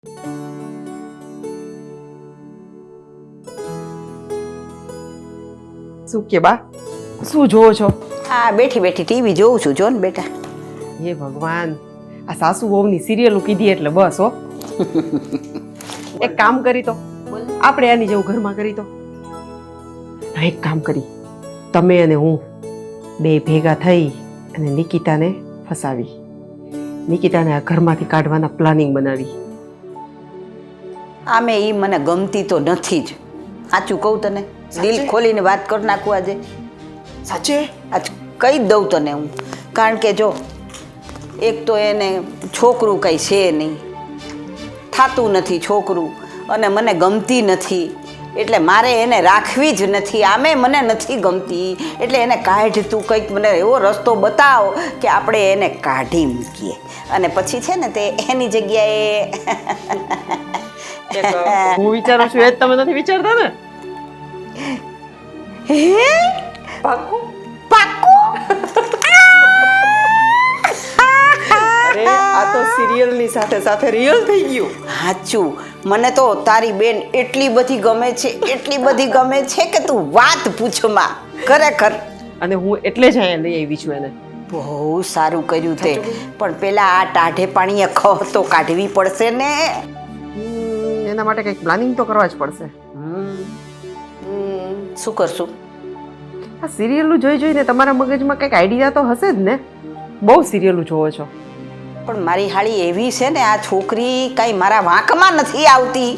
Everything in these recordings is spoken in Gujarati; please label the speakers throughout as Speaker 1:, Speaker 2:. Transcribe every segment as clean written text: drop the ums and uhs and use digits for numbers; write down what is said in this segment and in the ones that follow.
Speaker 1: શું કે બા, શું જોવો છો?
Speaker 2: હા, બેઠી બેઠી ટીવી જોઉં છું. જો ને બેટા.
Speaker 1: હે ભગવાન, આ સાસુ વહુની સિરિયલો કીધી એટલે બસ હો. એક કામ કરી તો આપણે આની જેવું ઘરમાં કરી તો. એક કામ કરી, તમે અને હું બે ભેગા થઈ અને નિકિતાને ફસાવી, નિકિતાને આ ઘરમાંથી કાઢવાના પ્લાનિંગ બનાવી.
Speaker 2: આમે ઈ મને ગમતી તો નથી જ. સાચું કહું તને, દિલ ખોલીને વાત કરી નાખું આજે.
Speaker 1: સાચે?
Speaker 2: આજ કહી જ દઉં તને હું. કારણ કે જો એક તો એને છોકરું કંઈ છે નહીં, થાતું નથી છોકરું, અને મને ગમતી નથી, એટલે મારે એને રાખવી જ નથી. આમે મને નથી ગમતી, એટલે એને કાઢ, તું કંઈક મને એવો રસ્તો બતાવ કે આપણે એને કાઢી મૂકીએ, અને પછી છે ને તે એની જગ્યાએ
Speaker 1: હું વિચારું છું એ જ તમે નથી વિચારતા ને?
Speaker 2: હે
Speaker 1: પાક્કું?
Speaker 2: પાક્કું?
Speaker 1: અરે આ તો સિરિયલની સાથે સાથે રિયલ થઈ ગયું.
Speaker 2: સાચું, મને તો તારી બેન એટલી બધી ગમે છે, એટલી બધી ગમે છે કે તું વાત પૂછમાં. ખરેખર.
Speaker 1: અને હું એટલે જ અહીંયા લઈ આવી છું એને.
Speaker 2: બહુ સારું કર્યું તે, પણ પેલા આ ટાઢે પાણીએ ખહ તો કાઢવી પડશે ને.
Speaker 1: એના માટે કંઈક પ્લાનિંગ તો કરવા જ પડશે.
Speaker 2: શું કરશું?
Speaker 1: આ સિરિયલો જોઈ જોઈને તમારા મગજમાં કંઈક આઈડિયા તો હશે જ ને. બહુ સિરિયલો જોવો છો.
Speaker 2: પણ મારી હાળી એવી છે ને, આ છોકરી કઈ મારા વાંકમાં નથી આવતી.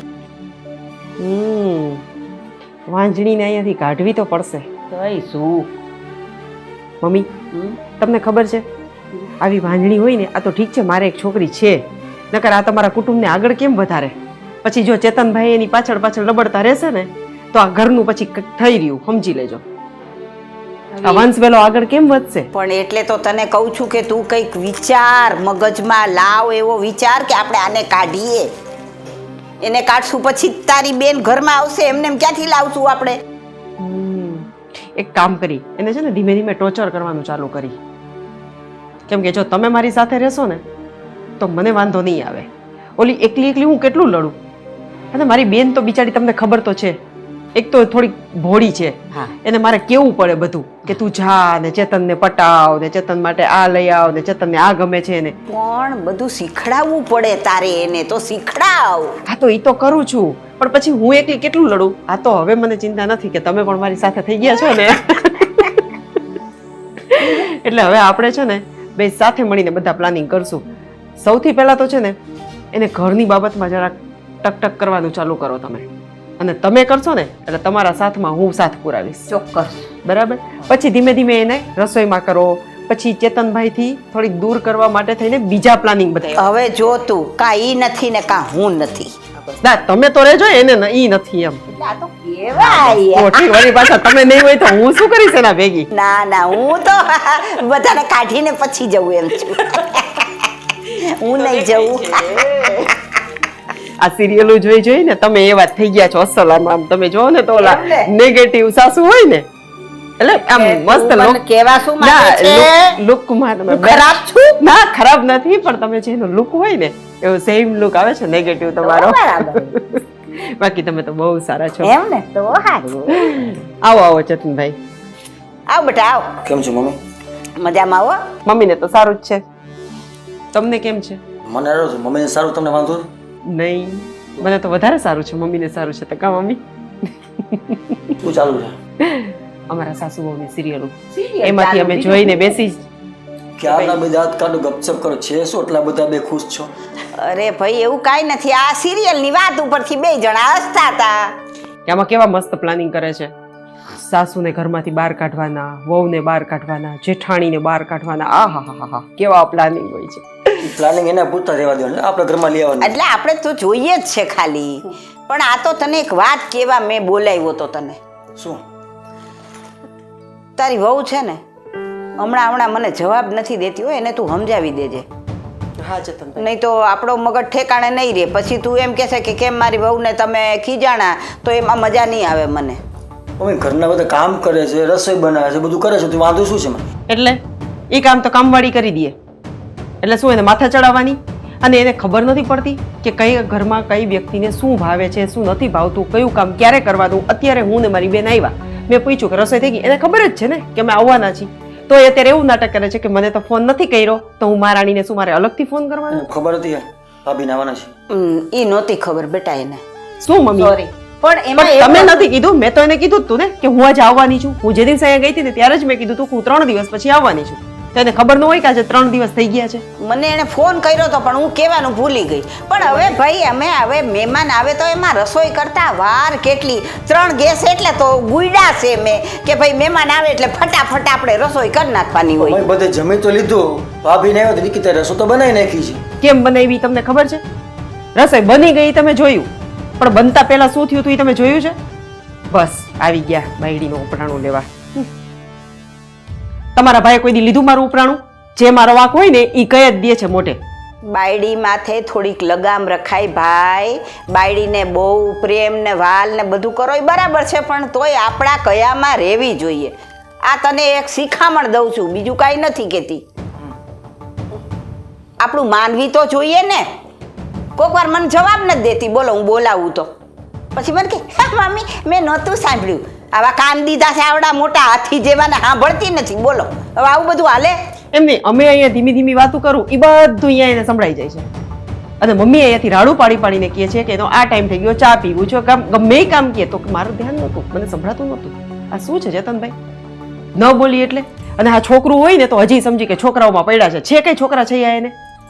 Speaker 1: વાંજણીને અહીંયાથી કાઢવી તો પડશે.
Speaker 2: કઈ શું
Speaker 1: મમ્મી, તમને ખબર છે આવી વાંજણી હોય ને, આ તો ઠીક છે મારે એક છોકરી છે, નકર આ તમારા કુટુંબને આગળ કેમ વધારે? પછી જો ચેતનભાઈ એની પાછળ પાછળ લબડતા રહેશે ને તો આ ઘરનું પછી થઈ રહ્યું, સમજી લેજો. આ વંશ વેલો આગળ કેમ વધશે?
Speaker 2: પણ એટલે તો તને કહું છું કે તું કંઈક વિચાર, મગજમાં લાવ એવો વિચાર કે આપણે આને કાઢીએ. એને કાઢશું પછી તારી બેન ઘરમાં આવશે, એમને એમ ક્યાંથી લાવશું આપણે?
Speaker 1: એક કામ કરી, એને છે ને ધીમે ધીમે ટોર્ચર કરવાનું ચાલુ કરી. કેમ કે જો તમે મારી સાથે રહેશો ને તો મને વાંધો નહીં આવે. ઓલી એકલી એકલી હું કેટલું લડું? અને મારી બેન તો બિચારી તમને ખબર તો છે, એક તો થોડીક ભોળી છે. એને મારે કેવું પડે બધું કે તું જા ને ચેતનને પટાવ ને ચેતન માટે આ લઈ આવ ને ચેતનને આ ગમે છે એને.
Speaker 2: પણ બધું શીખડાવવું પડે તારે, એને તો શીખડાવ.
Speaker 1: હા તો એ તો કરું છું, પણ પછી હું એકલી કેટલું લડું? આ તો હવે મને ચિંતા નથી કે તમે પણ મારી સાથે થઈ ગયા છો ને. એટલે હવે આપણે છે ને બે સાથે મળીને બધા પ્લાનિંગ કરશું. સૌથી પહેલા તો છે ને એને ઘરની બાબતમાં જરાક ટકટક કરવાનું ચાલુ કરો તમે, અને તમે કરશો ને એટલે તમારા સાથમાં હું સાથ પુરાવીશ.
Speaker 2: ચોક્કસ.
Speaker 1: બરાબર? પછી ધીમે ધીમે એને રસોઈમાં કરો, પછી ચેતનભાઈથી થોડીક દૂર કરવા માટે થઈને બીજા પ્લાનિંગ બધા.
Speaker 2: હવે જો તું કા ઈ નથી ને કા હું નથી.
Speaker 1: ના તમે તો રહેજો, એને ઈ નથી એમ.
Speaker 2: આ તો કેવાય.
Speaker 1: મોટી વળી પાછા તમે નહીં હોય તો હું શું કરીશ એના ભેગી?
Speaker 2: ના ના, હું તો બધાને કાઢીને પછી જવું એમ છું. હું નહીં જવું.
Speaker 1: આ સિરિયલો જોઈ જોઈ ને તમે એવા થઈ ગયા છો અસલ. આમ તમે જો ને તો ઓલા નેગેટિવ સાસુ હોય ને, એટલે આમ મસ્ત
Speaker 2: તું મને કેવા શું માંગે છે?
Speaker 1: લુકમાં તમે
Speaker 2: ખરાબ છું?
Speaker 1: ના ખરાબ નથી, પણ તમે જેનો લુક હોય ને એવો સેમ લુક આવે છે નેગેટિવ તમારો. બાકી તમે તો બહુ સારા છો.
Speaker 2: એમ ને? તો સારું.
Speaker 1: આવો આવો ચેતનભાઈ.
Speaker 2: આવ બેટા આવ.
Speaker 3: કેમ છો મમ્મી?
Speaker 2: મજામાં આવો.
Speaker 1: મમ્મીને તો સારું જ છે. તમને કેમ છે?
Speaker 3: મને સારું છે. મમ્મીને સારું, તમને વાંધો
Speaker 1: નહીં, મને તો વધારે સારું છે. મમ્મીને સારું છે તો કા મમ્મી?
Speaker 3: શું ચાલુ છે?
Speaker 1: અમારા સાસુ વહુની સિરિયલો, એમાંથી અમે જોઈને બેસી.
Speaker 3: ક્યારના બધા હાથ કાઢો, ગપસપ કરો. છે શું એટલા બધા બે ખુશ છો?
Speaker 2: અરે ભાઈ એવું કાંઈ નથી, આ સિરિયલની વાત ઉપરથી બે જણા હસતા હતા.
Speaker 1: આમાં કેવા મસ્ત પ્લાનિંગ કરે છે. સાસુને ઘરમાંથી બહાર કાઢવાના, વહુને બહાર કાઢવાના, જેઠાણીને બહાર કાઢવાના. આહાહાહા, કેવા પ્લાનિંગ હોય છે.
Speaker 3: પ્લાનિંગ એના પૂરતા રહેવા દેવાનું, આપણે ઘરમાં લઈ આવવાનું.
Speaker 2: એટલે આપણે તો જોઈએ જ છે ખાલી. પણ આ તો તને એક વાત કેવા મેં બોલાવ્યો તો તને.
Speaker 3: શું?
Speaker 2: તારી વહુ છે ને હમણાં મને જવાબ નથી દેતી હોય, એને તું સમજાવી દેજે.
Speaker 1: હા ચેતનભાઈ.
Speaker 2: નહીં તો આપણો મગજ ઠેકાણે નહીં રહે. પછી તું એમ કહેશે કે કેમ મારી વહુને તમે ખીજાણા, તો એમાં મજા નહીં આવે મને.
Speaker 3: મમ્મી ઘરના બધા કામ કરે છે, રસોઈ બનાવે છે, બધું કરે છે, તો વાંધો શું છે મને?
Speaker 1: એટલે એ કામ તો કામવાળી કરી દે, એટલે શું એને માથા ચડાવવાની? અને એને ખબર નથી પડતી કે કઈ ઘરમાં કઈ વ્યક્તિને શું ભાવે છે, શું નથી ભાવતું, કયું કામ ક્યારે કરવાનું. અત્યારે હું ને મારી બેન આવ્યા, મેં પૂછ્યું કે રસોઈ થઈ ગઈ, એને ખબર જ છે ને કે અમે આવવાના છીએ, તો એ અત્યારે એવું નાટક કરે છે કે મને તો ફોન નથી કર્યો, તો હું મહારાણીને શું મારે અલગથી ફોન કરવાનો?
Speaker 3: ખબર હતી ભાભી આવવાના છે.
Speaker 2: ઈ નહોતી ખબર બેટા એને.
Speaker 1: શું મમ્મી?
Speaker 2: સોરી પણ એમાં
Speaker 1: તમે નથી કીધું, મેં તો એને કીધું જ તું ને કે હું આજે આવવાની છું. હું જે દિવસે અહીંયા ગઈ હતી ને ત્યારે જ મેં કીધું તું હું 3 દિવસ પછી આવવાની છું. તો એને ખબર ન હોય કે આજે 3 દિવસ થઈ ગયા છે.
Speaker 2: મને એને ફોન કર્યો તો પણ હું કહેવાનું ભૂલી ગઈ. પણ હવે ભાઈ અમે હવે મહેમાન આવે તો એમાં રસોઈ કરતા વાર કેટલી, 3 ગેસ એટલે તો ગુયડા છે મેં કે ભાઈ મહેમાન આવે એટલે ફટાફટ આપણે રસોઈ કરી નાખવાની હોય.
Speaker 3: ભાઈ બધે જમી તો લીધું, ભાભી ને આવ્યો તો નિકિતા રસો તો બનાવી નાખી છે.
Speaker 1: કેમ બનાવી તમને ખબર છે? રસોઈ બની ગઈ તમે જોયું, પણ બનતા પહેલા શું થયું હતું એ તમે જોયું છે? બસ આવી ગયા બાયડીનું ઉપરાણું લેવા. તમારા ભાઈ કોઈ દી લીધું મારું ઉપરાણું? જે મારો વાંક હોય ને એ કહી જ દે છે મોઢે.
Speaker 2: બાયડી માથે થોડીક લગામ રખાય ભાઈ. બાયડીને બહુ પ્રેમ ને વાલ ને બધું કરો એ બરાબર છે, પણ તોય આપણા કયામાં રહેવી જોઈએ. આ તને એક શિખામણ દઉં છું, બીજું કાંઈ નથી કહેતી. આપણું માનવી તો જોઈએ ને. કોક વાર મને જવાબ નથી દેતી, બોલો હું બોલાવું તો પછી મને કે મમ્મી મેં નહોતું સાંભળ્યું. આવા કાન દીધા છે આવડા મોટા હાથી જેવાને સાંભળતી નથી. બોલો હવે આવું બધું હાલે?
Speaker 1: એમ નહીં, અમે અહીંયા ધીમી ધીમી વાતો કરું એ બધું અહીંયા એને સંભળાઈ જાય છે. અને મમ્મી અહીંયાથી રાડું પાડી પાડીને કહે છે કે એનો આ ટાઈમ થઈ ગયો, ચા પીવું છે, ગમે એ કામ કહે તો મારું ધ્યાન નહોતું, મને સંભળાતું નહોતું. આ શું છે ચેતનભાઈ? ન બોલી એટલે? અને આ છોકરું હોય ને તો હજી સમજી કે છોકરાઓમાં પડ્યા છે. છે કઈ છોકરા છે એને?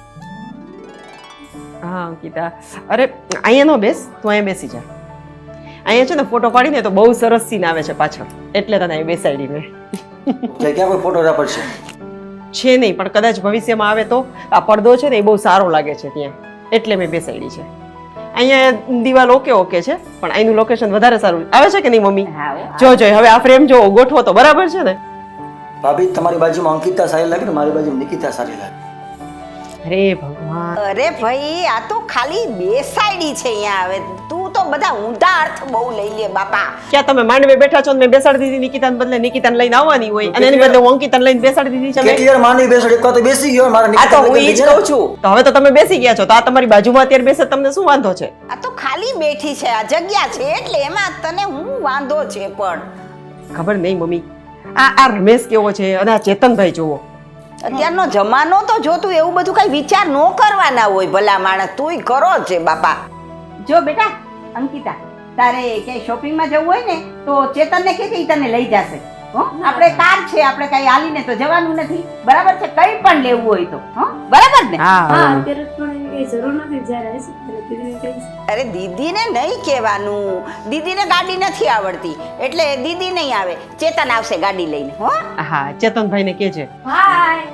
Speaker 1: હા અંકિતા, અરે અહીંયા ન બેસ, તું અહીંયા બેસી જા. અહીંયા છે ને ફોટો પાડીને તો બહુ સરસ સીન આવે છે પાછળ, એટલે તને અહીં બેસાડી મેં.
Speaker 3: ક્યાં કોઈ ફોટોગ્રાફર છે?
Speaker 1: છે નહીં, પણ કદાચ ભવિષ્યમાં આવે તો આ પડદો છે ને એ બહુ સારો લાગે છે ત્યાં, એટલે મેં બેસાડી છે. અહીંયા દિવાલ ઓકે ઓકે છે, પણ અહીંનું લોકેશન વધારે સારું આવે છે કે નહીં મમ્મી? જો હવે આ ફ્રેમ જો ગોઠવો તો બરાબર છે ને?
Speaker 3: ભાભી તમારી બાજુમાં અંકિતા સારી લાગે ને મારી બાજુમાં નિકિતા સારી લાગે.
Speaker 1: અરે ભગવાન,
Speaker 2: અરે ભાઈ આ તો ખાલી બેસાડી છે અહીંયા. આવે તું તો બધા ઊંધા અર્થ બહુ લઈ લે બાપા.
Speaker 1: ક્યાં તમે માંડવે બેઠા છો ને મેં બેસાડી દીધી નિકિતાને બદલે નિકિતાને લઈને આવવાની હોય, અને એની બદલે હું અંકિતાને લઈને બેસાડી દીધી છે મેં.
Speaker 3: કેટલી વાર માની બેસાડી, એક વાર તો બેસી ગયો મારા
Speaker 2: આ તો
Speaker 3: નિકિતા
Speaker 2: હું ઈ જ કહું છું.
Speaker 1: તો હવે તો તમે બેસી ગયા છો, તો આ તમારી બાજુમાં અત્યારે બેસે તમને શું વાંધો છે?
Speaker 2: આ તો ખાલી બેઠી છે, આ જગ્યા છે એટલે એમાં તને હું વાંધો છે. પણ
Speaker 1: ખબર નહીં મમ્મી, આ રમેશ કેવો છે અને આ ચેતનભાઈ જોવો.
Speaker 2: અત્યારનો જમાનો તો જો તું એવું બધું કઈ વિચાર ન કરવાના હોય ભલા માણસ, તુંય કરો છે બાપા. જો બેટા અંકિતા, તારે ક્યાંય શોપિંગમાં જવું હોય ને તો ચેતનને કે તને લઈ જશે. આપણે કાર છે, આપણે કઈ હાલીને તો જવાનું નથી, બરાબર છે? કઈ પણ લેવું હોય તો બરાબર ને?
Speaker 4: અત્યારે પણ એની કઈ જરૂર નથી. જ્યારે આવીશ ત્યારે દીદીને કહીશ.
Speaker 2: અરે દીદીને નહીં કહેવાનું, દીદીને ગાડી નથી આવડતી એટલે દીદી નહીં આવે, ચેતન આવશે ગાડી લઈને. હો
Speaker 1: હા, ચેતનભાઈને કે છે.
Speaker 4: હાય.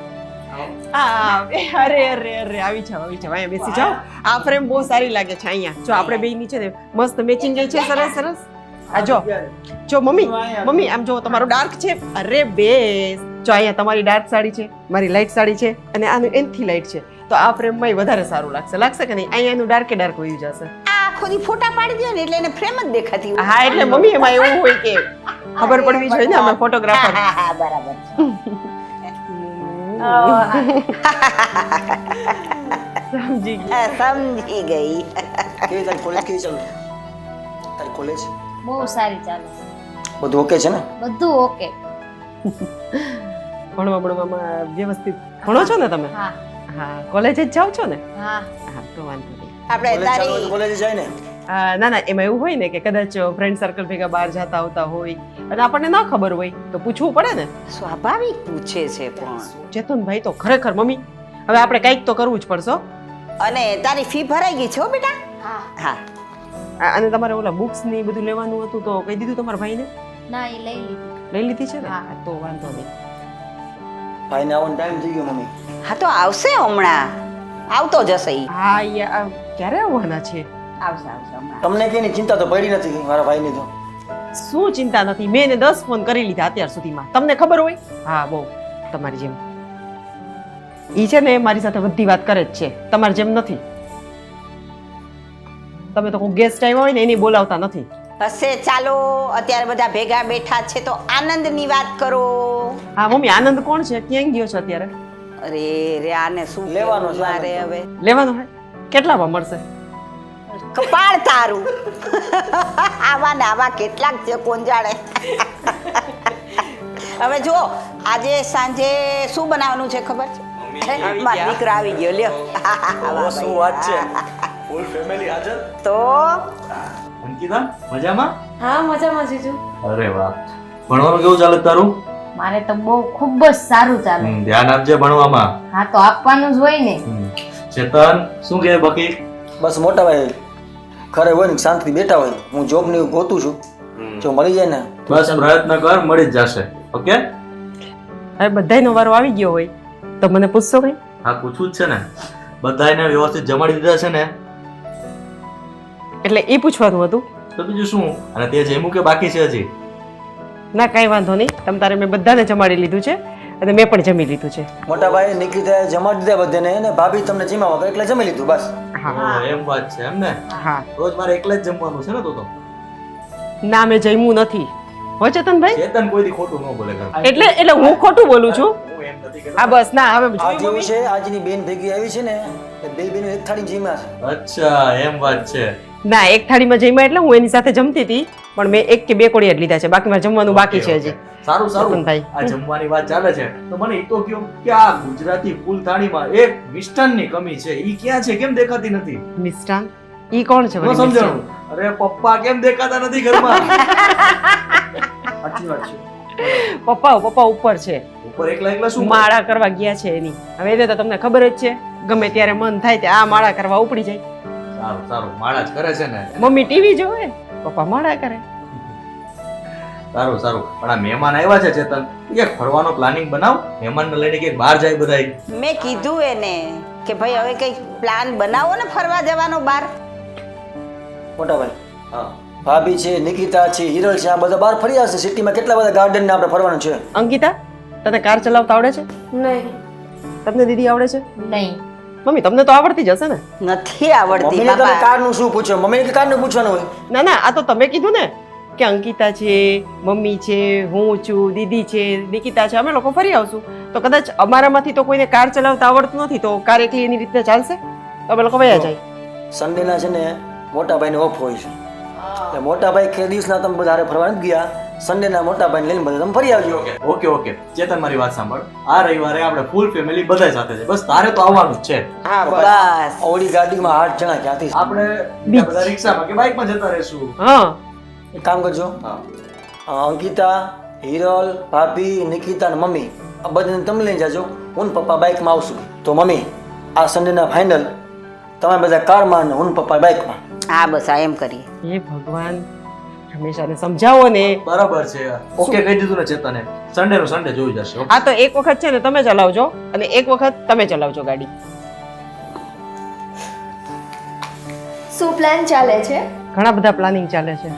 Speaker 1: અરે અરે અરે આવી જાઓ અહીંયા બેસી જાઓ. આ ફ્રેમ બહુ સારી લાગે છે અહીંયા. જો આપણે બે નીચે ને મસ્ત મેચિંગ ગઈ છે, સરસ સરસ. આ જો મમ્મી આમ જો તમારો ડાર્ક છે. અરે બેસ જો અહીંયા તમારી ડાર્ક સાડી છે, મારી લાઇટ સાડી છે, અને આનું એનથી લાઇટ છે, તો આ ફ્રેમમાં વધારે સારું લાગશે કે નહીં? અહીંયા એનું ડાર્કે ડાર્ક હોઈ જશે.
Speaker 2: આ આખો દી ફોટા પાડી દે ને એટલે એને ફ્રેમ જ દેખાતી હોય.
Speaker 1: હા એટલે મમ્મી એમાં એવું હોય કે ખબર પડવી જોઈએ ને અમે ફોટોગ્રાફર.
Speaker 2: હા બરાબર છે.
Speaker 1: સમજી ગઈ.
Speaker 2: સમજી ગઈ.
Speaker 3: કેવી તારી કોલેજ કેવી ચાલે? તારી કોલેજ
Speaker 4: બહુ સારી ચાલે.
Speaker 3: બધું ઓકે છે ને?
Speaker 4: બધું ઓકે.
Speaker 1: ભણવામાં વ્યવસ્થિત ભણો છો ને તમે?
Speaker 4: હા
Speaker 1: હા, કોલેજ જ જાઓ છો ને?
Speaker 4: હા.
Speaker 1: હા તો વાંધો નહીં.
Speaker 2: આપણે
Speaker 3: કોલેજ ચાલુ હોય તો
Speaker 2: તારી
Speaker 3: કોલેજ જાય ને?
Speaker 1: ના ના, એમાં એવું હોય ને કે કદાચ ફ્રેન્ડ સર્કલ ભેગા બહાર જતા આવતા હોય અને આપણને ના ખબર હોય તો પૂછવું પડે ને.
Speaker 2: સ્વાભાવિક પૂછે છે પણ.
Speaker 1: ચેતનભાઈ તો ખરેખર મમ્મી, હવે આપણે કંઈક તો કરવું જ પડશે હો.
Speaker 2: અને તારી ફી ભરાઈ ગઈ છે હો બેટા?
Speaker 4: હા.
Speaker 2: હા.
Speaker 1: અને તમારે ઓલા બુક્સ ની બધું લેવાનું હતું તો કહી દીધું તમારા ભાઈને?
Speaker 4: ના એ લઈ લીધી.
Speaker 1: લઈ લીધી છે ને?
Speaker 4: હા.
Speaker 1: તો વાંધો નહીં.
Speaker 3: ભાઈને આવવાનો ટાઈમ થઈ ગયો મમ્મી.
Speaker 2: હા તો આવશે હમણાં, આવતો જશે ઈ.
Speaker 1: હા ક્યારે આવવાના છે?
Speaker 2: આવશે હમણાં.
Speaker 3: તમને કઈની ચિંતા તો પડી નથી મારા ભાઈની તો.
Speaker 1: શું ચિંતા નથી, મેં એને 10 ફોન કરી લીધા અત્યાર સુધીમાં. તમને ખબર હોય? હા બહુ, તમારી જેમ. ઈ છે ને મારી સાથે બધી વાત કરે જ છે, તમારી જેમ નથી. તમે તો કોઈ ગેસ્ટ આવ્યા હોય ને એની બોલાવતા નથી.
Speaker 2: હશે ચાલો, અત્યારે બધા ભેગા બેઠા છે તો આનંદની વાત કરો.
Speaker 1: હા મમ્મી, આનંદ કોણ છે? ક્યાં ગયો છે અત્યારે?
Speaker 2: અરે રે આને શું
Speaker 3: લેવાનો
Speaker 2: લેવાનો
Speaker 3: છે
Speaker 2: મારે હવે?
Speaker 1: લેવાનો હોય? કેટલામાં મળશે?
Speaker 2: કપાળ તારું આવા ને આવા કેટલાક છે કોણ જાણે. હવે જો આજે સાંજે શું બનાવવાનું છે ખબર છે? મારો દીકરો આવી ગયો લ્યો.
Speaker 3: શું વાત છે, ફૂલ ફેમિલી હાજર.
Speaker 2: તો
Speaker 5: અંકિતા મજામાં?
Speaker 4: હા મજામાં જીજુ.
Speaker 5: અરે વાહ, ભણવાનું કેવું ચાલે તારું?
Speaker 6: મારે તો બહુ ખૂબ જ સારું ચાલે.
Speaker 5: ધ્યાન આપજે ભણવામાં.
Speaker 6: હા તો આપવાનું જ હોય ને.
Speaker 5: ચેતન શું કહે બાકી?
Speaker 3: બસ મોટા ભાઈ ઘરે હોય ને શાંતિથી બેઠા હોય, હું જોબ ને એવું ગોતું છું, જો મળી જાય ને
Speaker 5: બસ પ્રયત્ન કર, મળી જ જશે. ઓકે?
Speaker 1: હવે બધાયનો વારો આવી ગયો હોય તો મને પૂછશો કઈ?
Speaker 5: હા પૂછવું જ છે ને, બધાયને વ્યવસ્થિત જમાડી દીધા છે ને?
Speaker 1: એટલે એ પૂછવાનું હતું.
Speaker 5: તો બીજું શું? અને તે જમ્યું કે બાકી છે હજી?
Speaker 1: ના કાંઈ વાંધો નહીં, તમ તારે મેં બધાને જમાડી લીધું છે અને મેં પણ જમી લીધું છે.
Speaker 3: મોટા ભાઈ નિકિતાએ જમાડી દીધા બધાને, અને ભાભી તમને જીમા વગર એટલે જમી લીધું બસ.
Speaker 1: હા
Speaker 5: ઓહ, એમ વાત છે એમ ને?
Speaker 1: હા.
Speaker 5: રોજ મારે એકલા જ જમવાનું છે ને તો?
Speaker 1: ના મેં જમ્યું નથી. હો ચેતનભાઈ?
Speaker 5: ચેતન કોઈ દી ખોટું ન બોલે ઘરમાં.
Speaker 1: એટલે હું ખોટું બોલું છું.
Speaker 5: હું એમ નથી કહેતો.
Speaker 1: હા બસ ના હવે
Speaker 3: આજ એવું છે, આજની બેન ભેગી આવી છે ને એ બે બેનો એક થાળી જીમ્યા છે.
Speaker 5: અચ્છા એમ વાત છે.
Speaker 1: ના એક થાળીમાં જમ્યા એટલે હું એની સાથે જમતી હતી પણ મેં એક કે બે કોળિયા જ લીધા છે, બાકી મારે જમવાનું બાકી છે હજી.
Speaker 5: સારું સારું.
Speaker 1: ચેતનભાઈ.
Speaker 5: આ જમવાની વાત ચાલે છે તો મને એ તો કહો કે આ ગુજરાતી ફૂલ થાળીમાં એક મિષ્ટાનની કમી છે, ઈ ક્યાં છે? કેમ દેખાતી નથી?
Speaker 1: મિષ્ટાન ઈ કોણ છે?
Speaker 5: ન
Speaker 1: વળી
Speaker 5: સમજાણું. અરે પપ્પા કેમ દેખાતા નથી ઘરમાં?
Speaker 3: સાચી વાત છે.
Speaker 1: મિષ્ટાન? પપ્પા ઉપર છે,
Speaker 5: ઉપર એકલા એકલા શું
Speaker 1: માળા કરવા ગયા છે એની. હવે એને તો તમને ખબર જ છે, ગમે ત્યારે મન થાય ત્યાં આ માળા કરવા ઉપડી જાય.
Speaker 5: સારું સારું, માળા જ કરે છે ને.
Speaker 1: મમ્મી ટીવી જોવે, પપ્પા માળા કરે.
Speaker 5: સારું સારું. પણ આ મહેમાન આવ્યા છે ચેતન, એક ફરવાનો પ્લાનિંગ બનાવ, મહેમાનને લઈને ક્યાંક બહાર જાય બધાય.
Speaker 2: મેં કીધું એને કે ભાઈ હવે કંઈક પ્લાન બનાવો ને ફરવા જવાનો બહાર.
Speaker 3: મોટા ભાઈ
Speaker 5: હા
Speaker 3: ભાભી છે, નિકિતા છે, હિરલ છે, આ બધા બહાર ફરી આવશે. સિટીમાં કેટલા બધા ગાર્ડન ને આપણે ફરવાનું છે.
Speaker 1: અંકિતા તને કાર ચલાવતા આવડે છે?
Speaker 4: નહીં.
Speaker 1: તમને દીદી આવડે છે?
Speaker 6: નહીં.
Speaker 1: મમ્મી તમને તો આવડતી જ હશે ને?
Speaker 2: નથી આવડતી
Speaker 3: મમ્મીને તમે
Speaker 2: બાપા.
Speaker 3: કારનું શું પૂછો? મમ્મીને કે કારનું પૂછવાનું હોય?
Speaker 1: ના ના આ તો તમે કીધું ને કે અંકિતા છે, મમ્મી છે, હું છું, દીદી છે, નિકિતા છે, અમે લોકો ફરી આવશું. તો કદાચ અમારામાંથી તો કોઈને કાર ચલાવતા આવડતું નથી તો કાર એકલી એની રીતે ચાલશે તો અમે લોકો વયા જાય.
Speaker 3: સન્ડેના છે ને મોટા ભાઈને ઓફ હોય છે, એટલે મોટા ભાઈ કે દિવસના તમે બધા હારે ફરવા નથી ગયા, સન્ડેના મોટા ભાઈને લઈને બધા તમે ફરી આવજો.
Speaker 5: ઓકે ઓકે ચેતન મારી વાત સાંભળ, આ રવિવારે આપણે ફૂલ ફેમિલી બધા સાથે છે, બસ તારે તો આવવાનું જ છે.
Speaker 1: હા
Speaker 2: બસ
Speaker 3: ઓડી ગાડીમાં 8 જણા ક્યાંથી?
Speaker 5: આપણે બીજા બધા રિક્ષામાં કે બાઇકમાં જતા રહેશું.
Speaker 1: હા
Speaker 3: એક કામ કરજો, અંકિતા, હિરલ, ભાભી, નિકિતા અને મમ્મી આ બધાને તમે લઈને જાજો, હું ને પપ્પા બાઇકમાં આવશું. તો મમ્મી આ સન્ડેના ફાઇનલ તમે બધા કારમાં અને હું ને પપ્પા બાઇકમાં.
Speaker 2: હા બસ આ એમ કરીએ.
Speaker 1: એ ભગવાન હંમેશાને સમજાવો ને.
Speaker 5: બરાબર છે. ઓકે કહી દીધું ને ચેતને, સન્ડે નું સન્ડે જોઈ જશે.
Speaker 1: આ તો એક વખત છે ને તમે ચલાવજો અને એક વખત તમે ચલાવજો ગાડી.
Speaker 7: શું પ્લાન ચાલે છે?
Speaker 1: ઘણા બધા પ્લાનિંગ ચાલે છે.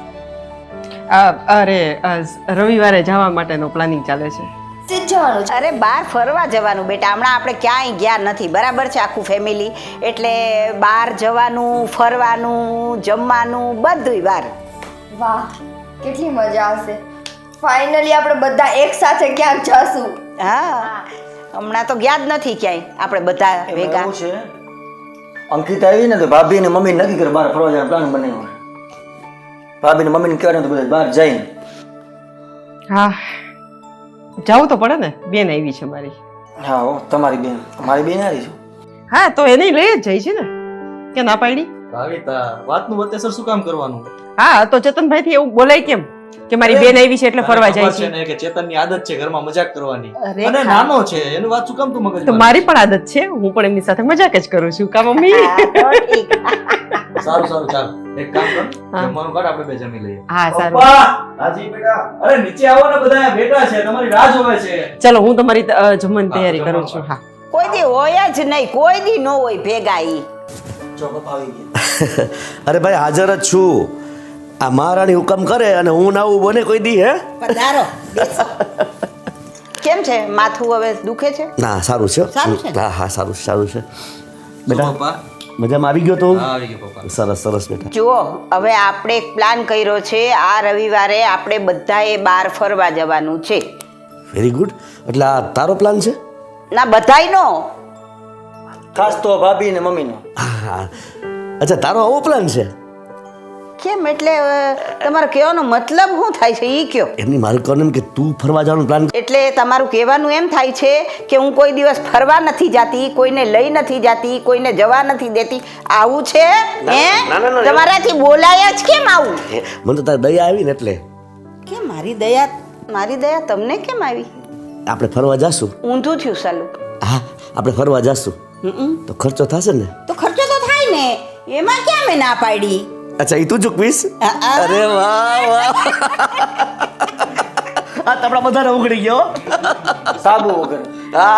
Speaker 1: રવિવારે જવા માટેનો પ્લાનિંગ ચાલે છે.
Speaker 7: સીધ જવાનું છે.
Speaker 2: અરે બહાર ફરવા જવાનું બેટા, હમણાં આપણે ક્યાંય ગયા નથી, બરાબર છે, આખું ફેમિલી, એટલે બહાર જવાનું, ફરવાનું, જમવાનું બધુંય બહાર.
Speaker 7: વાહ કેટલી મજા આવશે. ફાઇનલી આપણે બધા એક સાથે ક્યાંક જશું.
Speaker 2: હા હમણાં તો ગયા જ નથી ક્યાંય આપણે બધા
Speaker 3: એમાં
Speaker 2: ભેગા.
Speaker 3: એવું છે, અંકિતા આવી ને તો ભાભી અને મમ્મી નક્કી કરે બહાર ફરવા જવાનો પ્લાન બનાવ્યો. ભાભી ને મમ્મીને કહેવાનું તો બધા બહાર જઈને.
Speaker 1: હા જવું તો પડે ને, બેન આવી છે મારી.
Speaker 3: હા હો, તમારી બેન, મારી બેન હારી છું.
Speaker 1: હા તો એને લઈ જ જાય છે ને, કે ના પાડી?
Speaker 5: ભાવિતા વાતનું વતેસર શું કામ કરવાનું?
Speaker 1: હા તો ચેતનભાઈ થી એવું બોલાય કેમ કે મારી બેન આવી છે એટલે ફરવા જાય
Speaker 5: ખબર છે
Speaker 1: છે?
Speaker 5: ને કે ચેતનની આદત છે ઘરમાં મજાક કરવાની,
Speaker 1: અરે
Speaker 5: અને
Speaker 1: ખા.
Speaker 5: નાનો છે એની વાત શું કામ તું મગજ
Speaker 1: તો મારી પણ આદત છે, હું પણ એમની સાથે મજાક જ કરું છું. કા મમ્મી?
Speaker 2: હા, તો ઠીક.
Speaker 5: સારું સારું ચાલ એક કામ કર,
Speaker 1: હા.
Speaker 5: જમવાનું કાઢ, આપણે બે જમી લઈએ.
Speaker 1: હા સારું.
Speaker 5: પપ્પા રાજી બેટા, અરે નીચે આવો ને, બધા બેઠા છે, તમારી રાહ જોવે છે.
Speaker 1: ચલો હું તમારી જમવાની તૈયારી કરું છું. હા
Speaker 2: કોઈ દી હોય જ નહીં, કોઈ દી ન હોય ભેગા ઈ.
Speaker 3: જો પપ્પા આવી ગયા.
Speaker 8: અરે ભાઈ હાજર જ છું. આ મહારાણી હુકમ કરે અને હું ના આવું બને કોઈ દી? હે
Speaker 2: પધારો, બેસો. કેમ છે માથું હવે દુખે છે?
Speaker 8: ના સારું છે.
Speaker 2: સારું છે ને?
Speaker 8: હા હા સારું સારું છે.
Speaker 5: શું
Speaker 8: બેટા
Speaker 5: પપ્પા?
Speaker 8: મજામાં આવી ગયો તો?
Speaker 5: હા આવી ગયો પપ્પા.
Speaker 8: સરસ સરસ બેટા.
Speaker 2: જુઓ હવે આપણે એક પ્લાન કર્યો છે, આ રવિવારે આપણે બધાએ બહાર ફરવા જવાનું છે.
Speaker 8: Very good. એટલે આ તારો પ્લાન છે?
Speaker 2: ના બધાયનો.
Speaker 3: ખાસ તો ભાભી ને મમ્મીનો.
Speaker 8: હા. અચ્છા તારો આવો પ્લાન છે?
Speaker 2: કેમ એટલે તમારો કહેવાનો મતલબ શું થાય છે એ કયો?
Speaker 8: એમની મારું કહેવાનું એમ કે તું ફરવા જવાનું પ્લાન.
Speaker 2: એટલે તમારું કહેવાનું એમ થાય છે કે હું કોઈ દિવસ ફરવા નથી જાતી, કોઈને લઈ નથી જાતી, કોઈને જવા નથી દેતી, આવું છે? હે
Speaker 8: ના.
Speaker 2: તમારાથી બોલાય જ કેમ આવું?
Speaker 8: મને તો તારી દયા આવી ને એટલે.
Speaker 2: કે મારી દયા તમને કેમ આવી?
Speaker 8: આપણે ફરવા જાશું.
Speaker 2: ઊંધું થયું સાલું.
Speaker 8: હા આપણે ફરવા જાશું તો ખર્ચો થશે ને?
Speaker 2: તો ખર્ચો તો થાય ને, એમાં ક્યાં મેં ના પાડી?
Speaker 8: અચ્છા એ તું ચૂકવીશ?
Speaker 2: હા.
Speaker 8: અરે વાહ આ તપડા બધાને ઉઘડી ગયો.
Speaker 3: સાબુ વગર.
Speaker 8: હા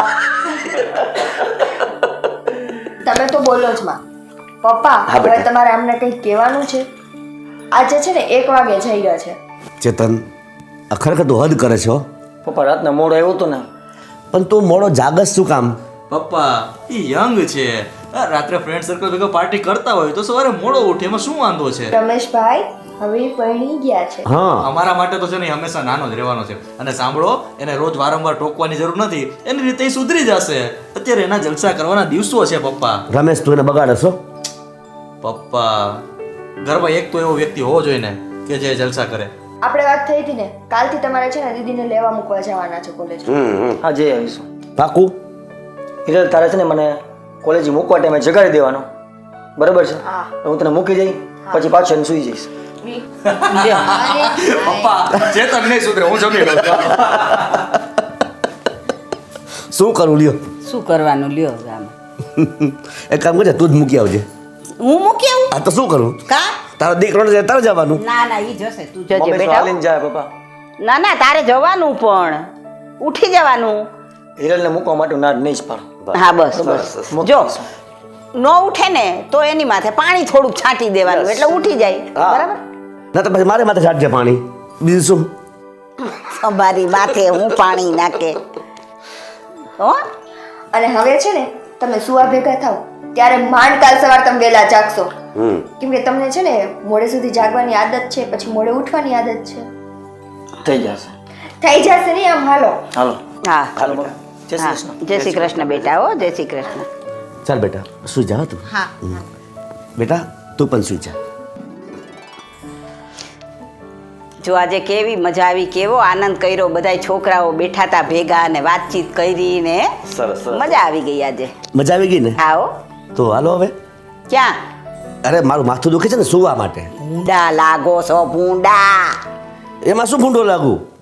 Speaker 7: તમે તો બોલો જ માં. પપ્પા
Speaker 8: હા,
Speaker 7: હવે
Speaker 8: બેટા.
Speaker 7: તમારે અમને કંઈક કહેવાનું છે. આજે છે ને 1 વાગે જઈ રહ્યા છે.
Speaker 8: ચેતન આ ખરેખર તું હદ કરે છો.
Speaker 3: પપ્પા રાતના મોડો આવ્યો હતો ને,
Speaker 8: પણ તું મોડો જાગસ શું કામ?
Speaker 5: પપ્પા ઈ યંગ છે. રાત્રે ફ્રેન્ડ સર્કલ ભેગા પાર્ટી કરતા હોય તો સવારે મોડો ઉઠે, એમાં શું વાંધો છે?
Speaker 7: રમેશભાઈ હવે ઈ પરણી ગયા છે.
Speaker 8: હા
Speaker 5: અમારા માટે તો છે ને ઈ હંમેશા નાનો જ રહેવાનો છે. અને સાંભળો, એને રોજ વારંવાર ટોકવાની જરૂર નથી. એની રીતે ઈ સુધરી જશે. અત્યારે એના જલસા કરવાના દિવસો છે પપ્પા.
Speaker 8: રમેશ તું એને બગાડે છો?
Speaker 5: પપ્પા ઘરમાં એક તો એવો વ્યક્તિ હોવો જોઈએ ને કે જે જલસા કરે.
Speaker 7: આપણે વાત થઈ હતી ને, કાલથી તમારે છે ને દીદીને લેવા મૂકવા જવાના છે કોલેજ.
Speaker 3: હા જઈ આવીશું.
Speaker 8: પાકું?
Speaker 3: હિરલ તારે છે ને મને કોલેજ મૂકવા ટાઈમે જગાડી દેવાનો, બરાબર છે?
Speaker 7: હા.
Speaker 3: હું તને મૂકી જઈ પછી પાછો એને સુઈ જઈશ.
Speaker 5: પપ્પા ચેતન નહીં સુધરે, હું જમી લઉં.
Speaker 8: શું કરું લ્યો?
Speaker 2: શું કરવાનું લ્યો હવે આમાં?
Speaker 8: એક કામ કરજે તું જ મૂકી આવજે.
Speaker 2: હું મૂકી આવું?
Speaker 8: આ તો શું કરું?
Speaker 2: કા?
Speaker 8: તારો દીકરો ને તારે જવાનું.
Speaker 2: ના ઈ જશે, તું જજે
Speaker 3: મમ્મી તો
Speaker 2: બેટા.
Speaker 3: હાલીને જાય પપ્પા.
Speaker 2: ના તારે જવાનું, પણ ઉઠી જવાનું.
Speaker 3: હિરલને મૂકવા માટે ના નહીં જ પાડું.
Speaker 2: હા બસ.
Speaker 3: મૂકી
Speaker 2: જો
Speaker 3: દઈશું.
Speaker 2: ન ઉઠે ને તો એની માથે પાણી થોડુંક છાંટી દેવાનું, એટલે ઉઠી જાય.
Speaker 8: હા.
Speaker 2: બરાબર?
Speaker 8: ના તો પછી મારે માથે છાંટજે પાણી. બીજું શું?
Speaker 2: અમારી માથે હું પાણી નાખે હો?
Speaker 7: અને હવે છે ને તમે સુવા ભેગા થાવ ત્યારે માંડ કાલ સવાર તમે વહેલા જાગશો. કેમ કે તમને છે ને મોડે સુધી જાગવાની આદત છે, પછી મોડે ઉઠવાની આદત છે.
Speaker 3: થઈ જશે.
Speaker 7: થઈ જશે નહીં આમ. હાલો
Speaker 3: હાલો
Speaker 2: હા
Speaker 3: હાલો મમ્મી. જય શ્રી
Speaker 2: હા.
Speaker 3: કૃષ્ણ.
Speaker 2: જય શ્રી કૃષ્ણ બેટા. હો જય શ્રી કૃષ્ણ.
Speaker 8: ચાલ બેટા સુઈ જા તું.
Speaker 2: હા
Speaker 8: બેટા તું પણ સુઈ જા.
Speaker 2: જો આજે કેવી મજા આવી, કેવો આનંદ કર્યો, બધાય છોકરાઓ બેઠા હતા ભેગા અને વાતચીત કરી ને
Speaker 8: સરસ
Speaker 2: મજા આવી ગઈ આજે.
Speaker 8: મજા આવી ગઈ ને?
Speaker 2: આવો.
Speaker 8: તો હાલો હવે.
Speaker 2: ક્યાં?
Speaker 8: અરે મારું માથું દુખે છે ને સુવા માટે.
Speaker 2: ભૂંડા લાગો છો, ભૂંડા.
Speaker 8: એમાં શું ભૂંડો લાગુ?